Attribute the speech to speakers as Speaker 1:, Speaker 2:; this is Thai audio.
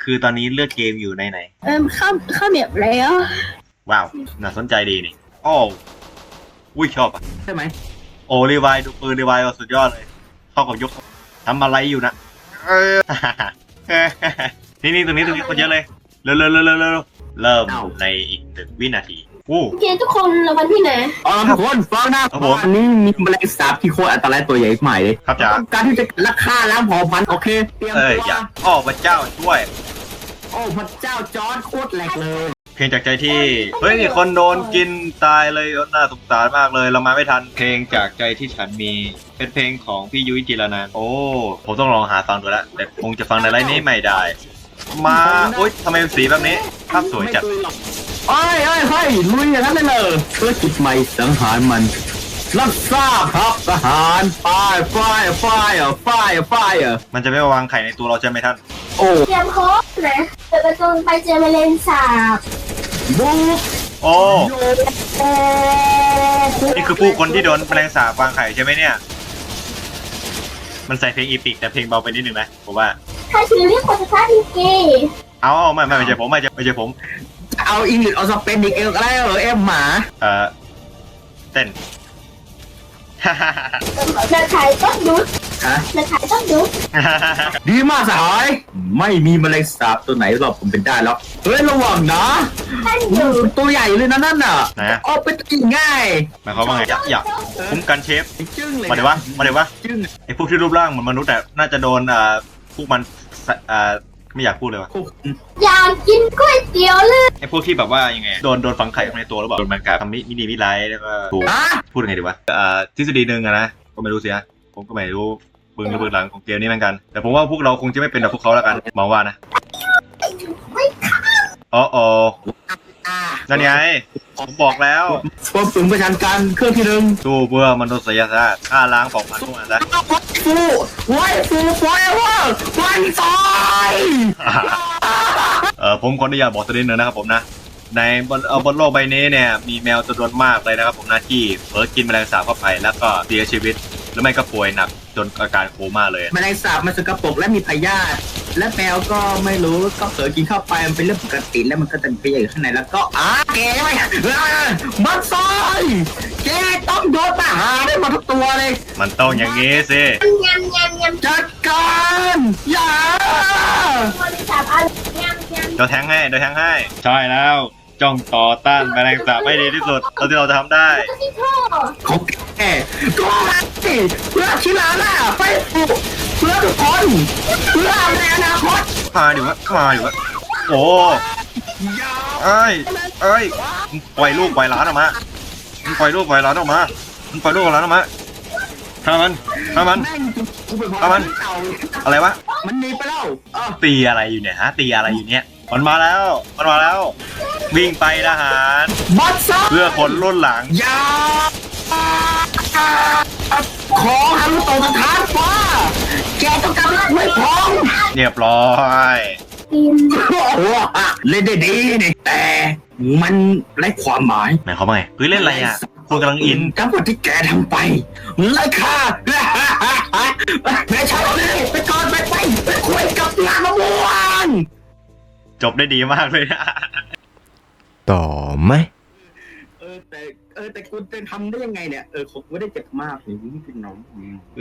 Speaker 1: คือตอนนี้เลือกเกมอยู่ในไหน
Speaker 2: เข้าเมียบแล้ว
Speaker 1: ว้าวน่าสนใจดีนี่โอ้อุ้ยชอบอ่ะ
Speaker 3: ใช่ไหม
Speaker 1: โอ้รีไวดูปืนรีไวสุดยอดเลยเข้ากับยกทำอะไรอยู่นะนี่ตรงนี้คนเยอะเลยเริ่มในอีก1 วินาทีโอ้
Speaker 2: เกมทุกคนรางวัลที่ไหน
Speaker 3: ทุกคนฟังนะอันนี้มีแมลงสาบที่โคตรอันตรายตัวใหญ่ใหม่เลย
Speaker 1: ครับจ๋า
Speaker 3: การที่จะราคาล้างเผ่าพันธุ์โอเคเตรียมตัว
Speaker 1: อย่าพระเจ้าช่วย
Speaker 3: โอ้พระเจ้าจอร์ดโคตรแหลกเลย
Speaker 1: เพลงจากใจที่เฮ้ยคนโดนกินตายเลยน่าสงสารมากเลยเรามาไม่ทันเพลงจากใจที่ฉันมีเป็นเพลงของพี่ยุ้ยจิรนันท์โอ้ผมต้องลองหาฟังดูแล้วแต่คงจะฟังในไลน์นี้ไม่ได้มาโอ๊ยทำไมสีแบบนี้ภาพสวยจัด
Speaker 3: เฮ้ยลุยอย่างนั้นเลยธุรกิจใหม่สังหารมันรับทราบครับทหารไฟ
Speaker 1: มันจะไม่มาวางไข่ในตัวเราใช่ไหมท่าน
Speaker 3: โอ้
Speaker 2: เตรียมโค้ดนะเปิดประตูไปเจอแมลงสาบ
Speaker 3: บุ๊ก
Speaker 1: โอ้นี่คือผู้คนที่โดนแมลงสาบวางไข่ใช่ไหมเนี่ยมันใส่เพลงอีพิกแต่เพลงเบาไปนิดนึงนะผมว่า
Speaker 2: ถ้าชื่อเรียกคนสุดท้ายที่เกย์
Speaker 1: เอาไม่ใช่ผมไม่ใช่ผม
Speaker 3: เอาอังกฤษเอาสเปนอีกเอลก็ได้เหรอเอ็มหมา
Speaker 1: เต้น
Speaker 2: เดินขายต้องยุดเดินขายต้องยุด
Speaker 3: ดีมากสหายไม่มีแมลงสาบตัวไหนหรอกผมเป็นได้แล้วเฮ้ยระวังนะตัวใหญ่เลยนะนั่นน่ะเอาไปกินง่าย
Speaker 1: หมายความว่าไงอยากคุ้มกันเชฟมาเดี๋ยววะไอพวกที่รูปร่างเหมือนมนุษย์แต่น่าจะโดนพวกมันไม่อยากพูดเลยวะ
Speaker 2: อยากกินก๋วยเตี๋ยวเลย
Speaker 1: ไอพวกที่แบบว่ายังไงโดนฝังไข่ในตัวหรือเปล่าโดนมันกาทำมินิมิไลท์แล้วก็ถูกพูดยังไงดีวะทฤษฎีหนึ่งนะก็ไม่รู้สิฮะผมก็ไม่รู้เบื้องหลังของเกมนี้เหมือนกันแต่ผมว่าพวกเราคงจะไม่เป็นแบบพวกเขาแล้วกันมองว่านะอ๋อนั่นไงผมบอกแล้ว
Speaker 3: ควบคุมประชันการเครื่องที่หนึ่ง
Speaker 1: สู้เพื่อมนุษยชาติฆ่าล้างของมันทุกอันนะ
Speaker 3: ฟูไฟวันซอย
Speaker 1: ผมขออนุญาตบอกตัวนิดนึงนะครับผมนะในบนโลกใบนี้เนี่ยมีแมวจำนวนมากเลยนะครับผมนะที่เผลอกินแมลงสาบเข้าไปแล้วก็เสียชีวิตหรือไม่ก็ป่วยหนักจนอาการโคม่าเลย
Speaker 3: แมลงสาบมันสกปรกและมีพยาธิและแมวก็ไม่รู้ก็เผลอกินเข้าไปมันเป็นเรื่องปกติแล้วมันก็จะไปอยู่ข้างในแล้วก็แกไม่มันซอยแกต้องโดนประหารได้หมดทุกตัวเลย
Speaker 1: มันต้องอย่างงี้สิ
Speaker 3: จัดการอย่า
Speaker 1: เดี๋ยวแทงให้ใช่แล้วจ้องต่อต้านแมลงสาบให้ดีที่สุดเท่าที่เราจะทำได้
Speaker 3: ของแกก็มาสิเพื่อชิลาล่ะไปเพื่อทุกคนเพื่อในอนาคต
Speaker 1: มาดิวะโอ้เอ้ยปล่อยลูกปล่อยหลานออกมาปล่อยลูกปล่อยหลานออกมาฆ่ามันอะไรวะ
Speaker 3: มันหนีไปแล้ว
Speaker 1: ตีอะไรอยู่เนี่ยฮะตีอะไรอยู่เนี่ยมันมาแล้ววิ่งไปทหารเพื่อคนรุ่นหลัง
Speaker 3: อย่าขอหันตกทางฟ้าแกต้องการไม่พร้อม
Speaker 1: เรียบร้อย
Speaker 3: เล่นได้ดีนี่แต่มันไร้ความหมาย
Speaker 1: หมายความว่าไงเล่นอะไรอ่ะคุณกำลังอิน
Speaker 3: กับสิ่งที่แกทำไปไร้ค่าแม่ชาวนี่ไปก่อนไปคุยกับงานมะม่วง
Speaker 1: จบได้ดีมากเลย
Speaker 4: ต่อไหม
Speaker 3: แต่คุณจะทำได้ยังไงเนี่ยคงไม่ได้เจ็บมากนี่เป็นน้อง